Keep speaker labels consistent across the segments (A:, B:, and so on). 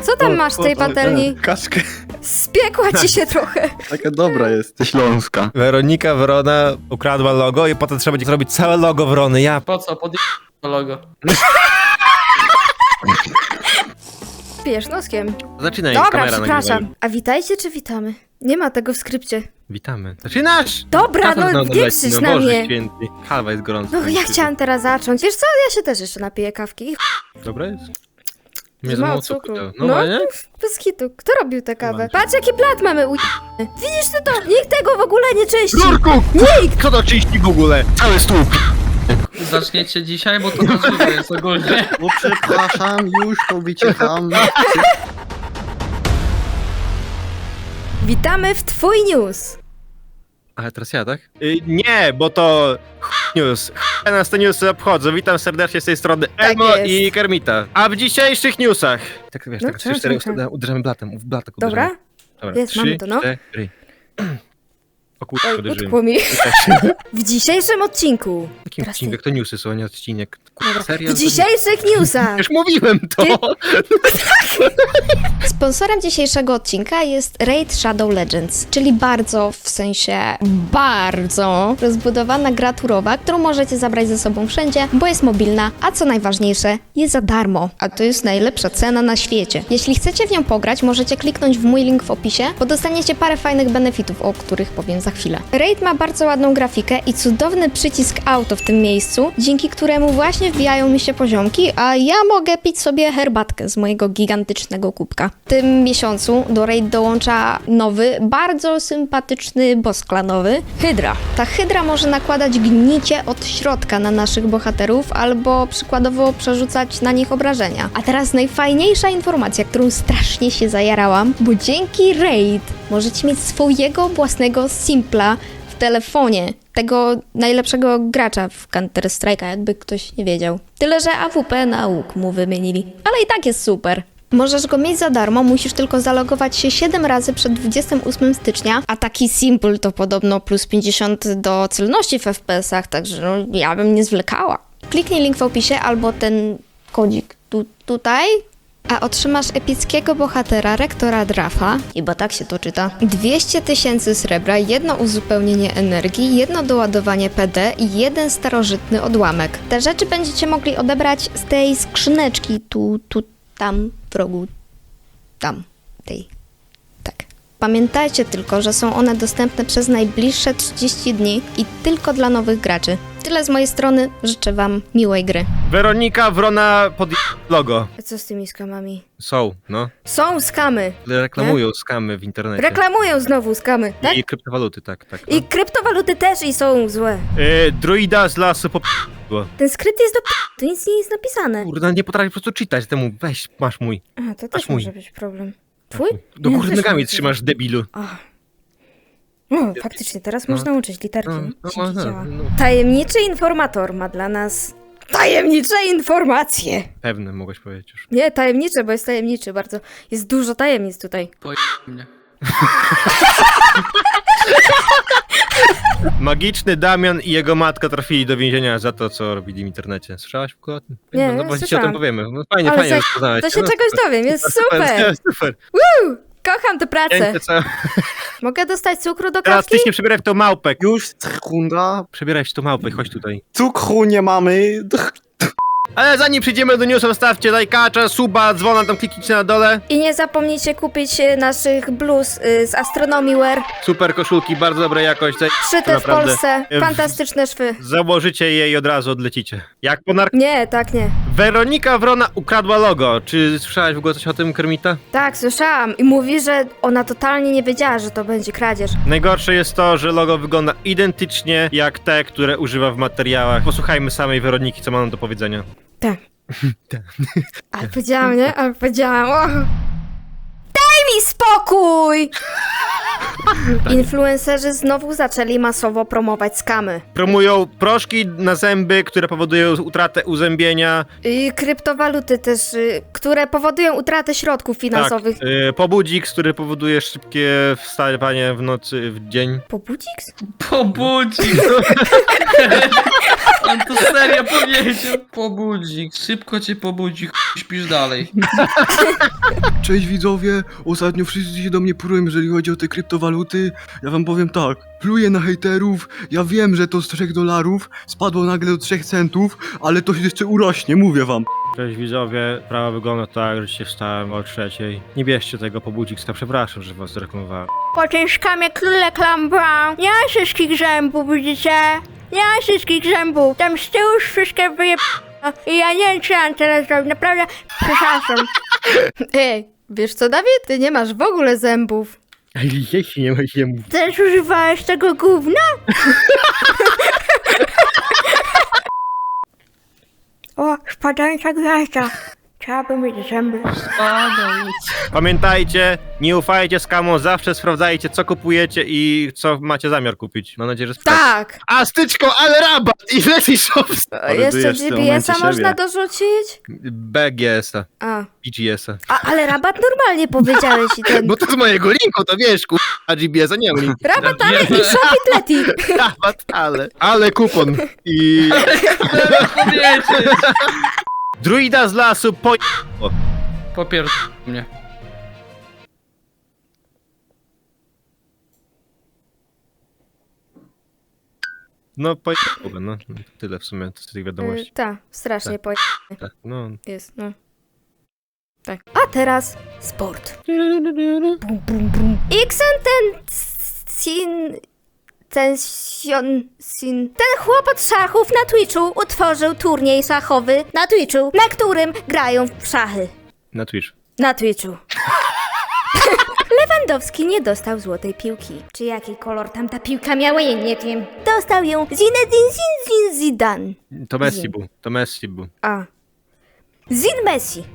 A: Co tam masz w tej patelni?
B: Kaszkę.
A: Spiekła ci się trochę.
B: Taka dobra jest.
C: Śląska.
D: Weronika Wrona ukradła logo i potem trzeba będzie zrobić całe logo Wrony. Ja
E: Po co? Pod to logo.
A: Pijesz noskiem.
D: Zaczynaj,
A: Dobra,
D: kamera
A: przepraszam.
D: nagrywa.
A: A witajcie czy witamy? Nie ma tego w skrypcie.
D: Witamy. Zaczynasz!
A: Dobra,
D: Kafel
A: no
D: znowu
A: nie
D: leci,
A: krzycz
D: no
A: na
D: Boże
A: mnie.
D: święty. Kawa jest gorąca.
A: No ja chciałam teraz zacząć. Wiesz co, ja się też jeszcze napiję kawki.
D: Dobra jest?
A: Nie
D: Nie
A: ma
D: za mało
A: cukru.
D: cukru.
A: No.
D: No, nie?
A: Bez hitu. Kto robił tę kawę?
D: Mam.
A: Patrz jaki blat mamy Widzisz ty to? Nikt tego w ogóle nie czyści.
D: Rurku! Kto to czyści w ogóle? Cały stół.
E: Zaczniecie dzisiaj, bo to na żywo jest ogólnie.
B: O, przepraszam, już to wyciekam.
A: Witamy w Twój News.
D: Ale teraz ja, tak? Nie, bo to news. Nas te newsy obchodzą. Witam serdecznie z tej strony
A: Tak
D: Elmo
A: jest.
D: i Kermita. A w dzisiejszych newsach... Tak wiesz,
A: No,
D: tak
A: czemu,
D: 3-4
A: czemu?
D: uderzamy blatem. W blatek
A: Dobra?
D: uderzamy. Dobra,
A: Jest, mamy to, no.
D: 3, 4. O kurczę,
A: Oj,
D: uderzyłem.
A: utkło mi. W dzisiejszym odcinku.
D: Jakim
A: Teraz
D: odcinek?
A: ty.
D: To newsy są, a nie odcinek.
A: Dobra.
D: Serio?
A: W dzisiejszych newsach.
D: Już mówiłem to!
F: Sponsorem dzisiejszego odcinka jest Raid Shadow Legends, czyli bardzo, w sensie bardzo rozbudowana gra turowa, którą możecie zabrać ze sobą wszędzie, bo jest mobilna, a co najważniejsze, jest za darmo. A to jest najlepsza cena na świecie. Jeśli chcecie w nią pograć, możecie kliknąć w mój link w opisie, bo dostaniecie parę fajnych benefitów, o których powiem za chwilę. Raid ma bardzo ładną grafikę i cudowny przycisk auto w tym miejscu, dzięki któremu właśnie wbijają mi się poziomki, a ja mogę pić sobie herbatkę z mojego gigantycznego kubka. W tym miesiącu do Raid dołącza nowy, bardzo sympatyczny boss klanowy, Hydra. Ta Hydra może nakładać gnicie od środka na naszych bohaterów albo przykładowo przerzucać na nich obrażenia. A teraz najfajniejsza informacja, którą strasznie się zajarałam, bo dzięki Raid możecie mieć swojego własnego simpla w telefonie. Tego najlepszego gracza w Counter-Strike'a, jakby ktoś nie wiedział. Tyle, że AWP na łuk mu wymienili. Ale i tak jest super. Możesz go mieć za darmo, musisz tylko zalogować się 7 razy przed 28 stycznia, a taki simple to podobno plus 50 do celności w FPS-ach, także no, ja bym nie zwlekała. Kliknij link w opisie albo ten kodzik tutaj, a otrzymasz epickiego bohatera rektora Drafa, chyba tak się to czyta, 200 000 srebra, jedno uzupełnienie energii, jedno doładowanie PD i jeden starożytny odłamek. Te rzeczy będziecie mogli odebrać z tej skrzyneczki tam, w rogu, tam, tej, tak. Pamiętajcie tylko, że są one dostępne przez najbliższe 30 dni i tylko dla nowych graczy. Tyle z mojej strony, życzę wam miłej gry.
D: Weronika Wrona pod logo.
A: A co z tymi skamami?
D: Są, no.
A: Są skamy.
D: Reklamują skamy w internecie.
A: Reklamują znowu skamy, tak?
D: I kryptowaluty, tak. No.
A: I kryptowaluty też i są złe.
D: Druida z lasu było.
A: Ten skrypt jest to nic nie jest napisane.
D: Kurde, nie potrafię po prostu czytać temu. Weź, masz mój.
A: A, to też
D: mój.
A: może być problem. Twój?
D: Do
A: Nie,
D: góry
A: też
D: nogami
A: może.
D: trzymasz, debilu.
A: No, faktycznie, teraz można uczyć literki. Dzięki
D: no,
A: działa.
D: no.
A: Tajemniczy informator ma dla nas tajemnicze informacje.
D: Pewne mogłeś powiedzieć już.
A: Nie, tajemnicze, bo jest tajemniczy bardzo. Jest dużo tajemnic tutaj.
E: Mnie.
D: Magiczny Damian i jego matka trafili do więzienia za to, co robili w internecie. Słyszałaś w ogóle o tym?
A: Nie,
D: no bo dzisiaj o
A: słyszałam.
D: tym powiemy. No, fajnie,
A: Ale
D: fajnie,
A: za-
D: że poznałeś.
A: To się
D: No,
A: czegoś dowiem, jest super.
D: Super.
A: Kocham tę pracę.
D: Pięknie, co?
A: Mogę dostać cukru do
D: Teraz
A: kawki?
D: ty się przebieraj w tą małpę.
B: Już sekunda.
D: Przebieraj się w tą małpę, chodź tutaj.
B: Cukru nie mamy.
D: Ale zanim przejdziemy do newsa, zostawcie lajkacza, suba, dzwona, tam kliknijcie na dole.
A: I nie zapomnijcie kupić naszych bluz z Astronomy Wear.
D: Super koszulki, bardzo dobrej jakości.
A: Szyte w
D: Naprawdę.
A: Polsce. Fantastyczne szwy.
D: Założycie je i od razu odlecicie. Jak po
A: Nie, tak nie.
D: Weronika Wrona ukradła logo. Czy słyszałaś w ogóle coś o tym, Kermita?
A: Tak, słyszałam. I mówi, że ona totalnie nie wiedziała, że to będzie kradzież.
D: Najgorsze jest to, że logo wygląda identycznie jak te, które używa w materiałach. Posłuchajmy samej Weroniki, co ma nam do powiedzenia.
A: Tak.
D: Tak.
A: Ale powiedziałam, nie? Ale powiedziałam. O. Daj mi spokój! Influencerzy znowu zaczęli masowo promować skamy.
D: Promują proszki na zęby, które powodują utratę uzębienia.
A: I kryptowaluty też, które powodują utratę środków finansowych.
D: Tak, pobudzik, który powoduje szybkie wstawanie w nocy, w dzień.
A: Pobudziks?
E: Pobudzi! On to serio powiedział. Pobudzik, szybko cię pobudzi, śpisz dalej.
B: Cześć widzowie, ostatnio wszyscy się do mnie prują, jeżeli chodzi o te kryptowaluty. Ja wam powiem tak, pluję na hejterów, ja wiem, że to z $3 spadło nagle do 3 centów, ale to się jeszcze urośnie, mówię wam.
D: Cześć widzowie, sprawa wygląda tak, że się wstałem o 3:00. Nie bierzcie tego Pobudzikska, przepraszam, że was zreklamowałem.
A: Potężkamy króle klamba. Nie ma wszystkich zębów, widzicie? Nie ma wszystkich zębów. Tam z tyłu już wszystkie wyje... I ja nie wiem, co mam teraz zrobić. Naprawdę, przepraszam. Ej, wiesz co, Dawid? Ty nie masz w ogóle zębów.
D: Jeśli nie ma jemu.
A: Też używałeś tego gówna? O, spadająca gwiazda. Trzeba by mieć zęby.
E: Spadaj.
D: Pamiętajcie, nie ufajcie skamom, zawsze sprawdzajcie co kupujecie i co macie zamiar kupić. Mam nadzieję, że sprawdzacie.
A: Tak.
D: A styczko, ale rabat! I Leti Shops!
A: Jeszcze
B: w tym
A: GPS-a
B: momencie
A: można
B: siebie.
A: dorzucić?
D: BGS-a,
A: A.
D: BGS-a.
A: Ale rabat normalnie powiedziałeś i ten...
D: Bo to z mojego linku, to wiesz, a GBS-a nie mam linku.
A: Rabat, ale i Shopee Leti.
D: Rabat, ale kupon. I
E: Powiedzieć.
D: druida z lasu po...
E: Popier... mnie.
D: No no tyle w sumie z tych wiadomości.
A: Tak, strasznie
D: Tak.
A: po...
D: Tak, no.
A: jest, no. Tak. A teraz sport. Bum, bum, bum. Ten chłop od szachów na Twitchu utworzył turniej szachowy na Twitchu, na którym grają w szachy.
D: Na Twitch.
A: Na Twitchu. Lewandowski nie dostał złotej piłki. Czy jaki kolor tam ta piłka miała, ja nie wiem. Dostał ją Zinedine Zidane.
D: To Messi był, to Messi był.
A: A. Zin Messi.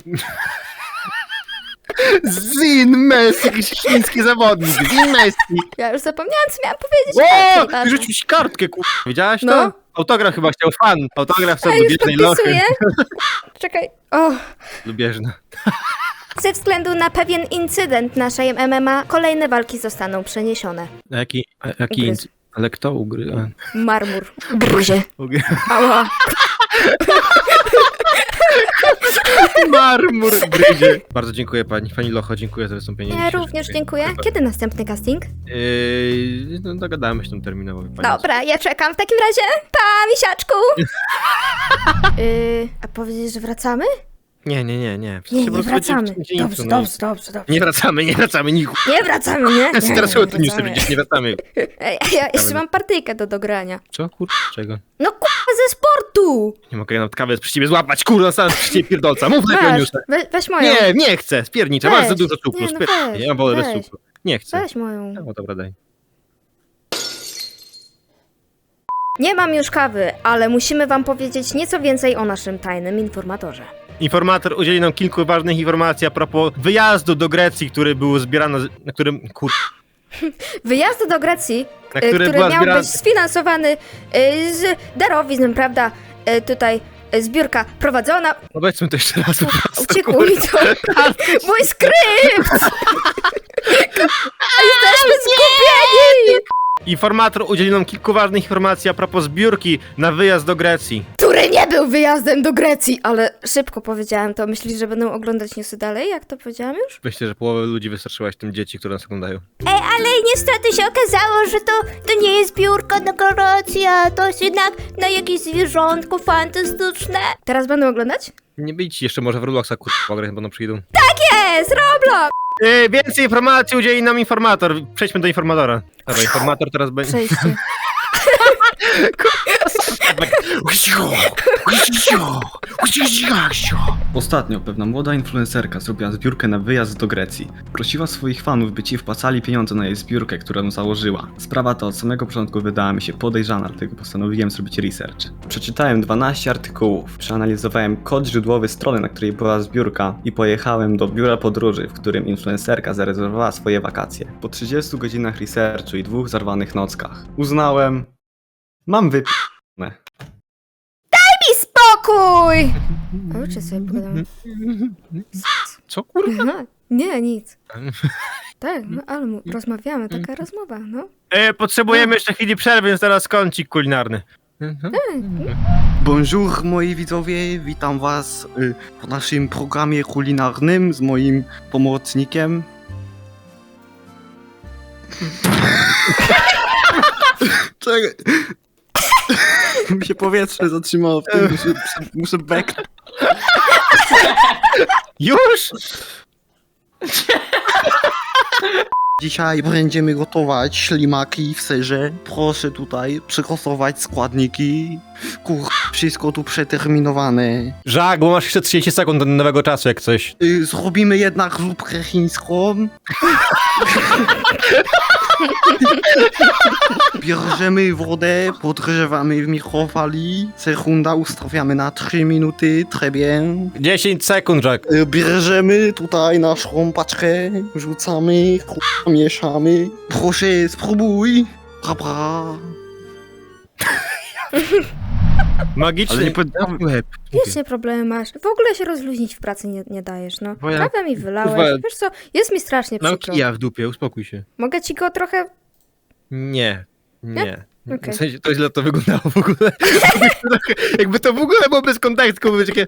D: Zin Messi, jakiś chiński zawodnik, Zin Messi.
A: Ja już zapomniałam, co miałam powiedzieć.
D: O,
A: Lepiej,
D: ty rzucił ci kartkę, Widziałaś to?
A: No.
D: Autograf chyba chciał fan. Autograf
A: A
D: są
A: już
D: lubieżnej lochy.
A: podpisuję. Czekaj. O.
D: Lubieżna.
A: Ze względu na pewien incydent naszej MMA, kolejne walki zostaną przeniesione.
D: A jaki
A: Ugryz.
D: ale kto ugryzł?
A: Marmur. Gryzie.
D: Ugryzł.
A: Ała.
D: Marmur gryzie. Bardzo dziękuję pani Locho, dziękuję za wystąpienie.
A: Ja
D: dzisiejsze.
A: również dziękuję. Kiedy następny casting?
D: No dogadamy się tam terminowo. Pani.
A: Dobra, ja czekam w takim razie. Pa, misiaczku! A powiedzieć, że wracamy?
D: Nie.
A: Nie,
D: Po
A: nie
D: prostu
A: wracamy.
D: będzie
A: Dobrze,
D: no.
A: dobrze.
D: Nie wracamy, niku.
A: Nie wracamy, nie?
D: Ja teraz
A: nie
D: to newsy przecież nie wracamy.
A: Ej, ja jeszcze mam partyjkę do dogrania.
D: Co, czego?
A: No ze sportu!
D: Nie mogę nawet kawę przy ciebie złapać, kurwa, sam przy ciebie pierdolca. Mów lepiej o
A: Weź,
D: newsach.
A: weź moją.
D: Nie chcę, spierniczę,
A: Weź.
D: masz za dużo cukru,
A: Nie, no
D: spierniczę.
A: weź,
D: Ja mam wolę bez
A: weź.
D: cukru. Nie chcę.
A: Weź moją.
D: No dobra, daj.
A: Nie mam już kawy, ale musimy wam powiedzieć nieco więcej o naszym tajnym informatorze.
D: Informator udzieli nam kilku ważnych informacji a propos wyjazdu do Grecji, który był zbierany, na którym,
A: Wyjazd do Grecji,
D: na który
A: który
D: była
A: miał
D: zbierana...
A: być sfinansowany z darowizn, prawda? Tutaj zbiórka prowadzona.
D: Powiedzmy to jeszcze raz. po prostu,
A: Uciekło mi to. Mój skrypt! Jesteśmy zgubieni!
D: Informator udzielił nam kilku ważnych informacji a propos zbiórki na wyjazd do Grecji.
A: Który nie był wyjazdem do Grecji, ale szybko powiedziałem to. Myślisz, że będą oglądać newsy dalej, jak to powiedziałam już?
D: Myślę, że połowę ludzi wystraszyłaś tym dzieci, które nas oglądają.
A: Ale niestety się okazało, że to nie jest zbiórka na Grecja, to jest jednak na jakieś zwierzątko fantastyczne. Teraz będą oglądać?
D: Nie być jeszcze może w Robloxa, pograć, bo przyjdą.
A: Jest, Roblox!
D: Więcej informacji udzieli nam informator. Przejdźmy do informatora. Dobra, informator teraz będzie...
A: Przejście.
C: Ostatnio pewna młoda influencerka zrobiła zbiórkę na wyjazd do Grecji. Prosiła swoich fanów, by ci wpłacali pieniądze na jej zbiórkę, którą założyła. Sprawa ta od samego początku wydała mi się podejrzana, dlatego postanowiłem zrobić research. Przeczytałem 12 artykułów, przeanalizowałem kod źródłowy strony, na której była zbiórka i pojechałem do biura podróży, w którym influencerka zarezerwowała swoje wakacje. Po 30 godzinach researchu i 2 zarwanych nockach uznałem... Mam wyp***ne.
A: I spokój! O, czy sobie pogadamy?
D: Co kurwa?
A: No, nie, nic. Tak, no, ale rozmawiamy, taka rozmowa, no.
D: Potrzebujemy jeszcze chwili przerwy, więc teraz kącik kulinarny.
B: Bonjour moi widzowie, witam was w naszym programie kulinarnym z moim pomocnikiem. Czekaj. Mi się powietrze zatrzymało w tym, muszę beknąć.
D: Już?
B: Dzisiaj będziemy gotować ślimaki w serze. Proszę tutaj przygotować składniki. Wszystko tu przeterminowane.
D: Żak, bo masz jeszcze 30 sekund do nowego czasu, jak coś.
B: Zrobimy jednak zupkę chińską. Bierzemy wodę, podgrzewamy w mikrofali. Sekunda ustawiamy na 3 minuty, très bien.
D: 10 sekund, Żak.
B: Bierzemy tutaj naszą paczkę, rzucamy, mieszamy. Proszę, spróbuj. Bra.
D: Magicznie.
B: Ale nie powiedziałem.
A: Wiecznie problemy masz. W ogóle się rozluźnić w pracy nie dajesz, no.
D: Bo ja-
A: Kawę mi wylałeś.
D: Kurwa.
A: Wiesz co, jest mi strasznie
D: Mam
A: przykro.
D: kija w dupie, uspokój się.
A: Mogę ci go trochę...
D: Nie. Nie.
A: Okej.
D: W sensie, to źle to wyglądało w ogóle. Jakby to w ogóle było bez kontekstu, były takie...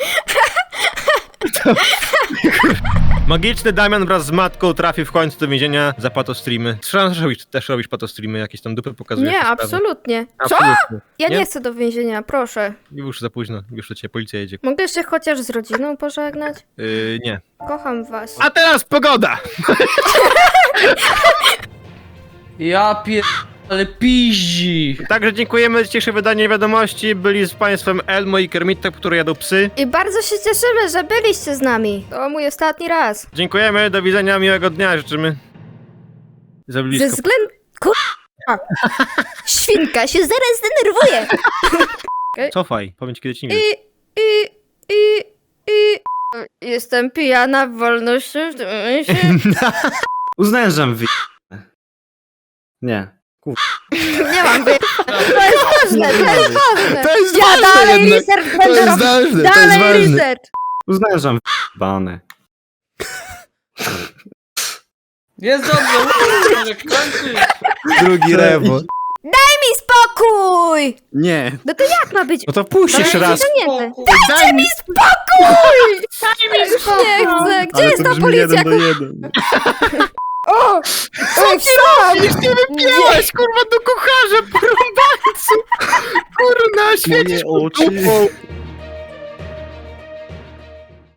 D: Magiczny Damian wraz z matką trafił w końcu do więzienia za patostreamy. Słyszałem, że też robisz patostreamy, jakieś tam dupy pokazujesz.
A: Nie,
D: te sprawy.
A: absolutnie. Co?
D: Absolutnie.
A: Ja
D: Nie?
A: nie chcę do więzienia, proszę.
D: Już za późno, już do ciebie policja jedzie.
A: Mogę się chociaż z rodziną pożegnać?
D: Nie.
A: Kocham was.
D: A teraz pogoda!
E: Ja ale piździ.
D: Także dziękujemy za dzisiejsze wydanie wiadomości. Byli z państwem Elmo i Kermita, które jadą psy.
A: I bardzo się cieszymy, że byliście z nami. To mój ostatni raz.
D: Dziękujemy, do widzenia, miłego dnia życzymy. Za blisko.
A: Ze względu... Kurwa. Świnka się zaraz zdenerwuje.
D: Cofaj, powiem ci kiedy ci nie wiem.
A: I... Jestem pijana w wolności w tym momencie.
C: Uznałem, że wy... Nie.
A: Nie mam wy... To jest ważne, to jest ważne.
D: To jest
A: Ja
D: ważne
A: dalej
D: jednak.
A: research będę robić.
D: ważne,
A: Dalej research.
C: Uznałem, że bane.
E: Jest dobrze, może kończyć.
D: Drugi rewo.
A: Mi spokój!
B: Nie.
A: No to jak ma być?
D: No to puść jeszcze raz.
A: Dajcie mi spokój! Daj mi spokój! Nie chcę. Gdzie jest ta policja?
B: 1.
A: O! Oj, co?
D: Już nie wypięłaś, kurwa, do kucharza, porąbańcu! Kurna, świecisz
B: Moje oczy.
D: dupą.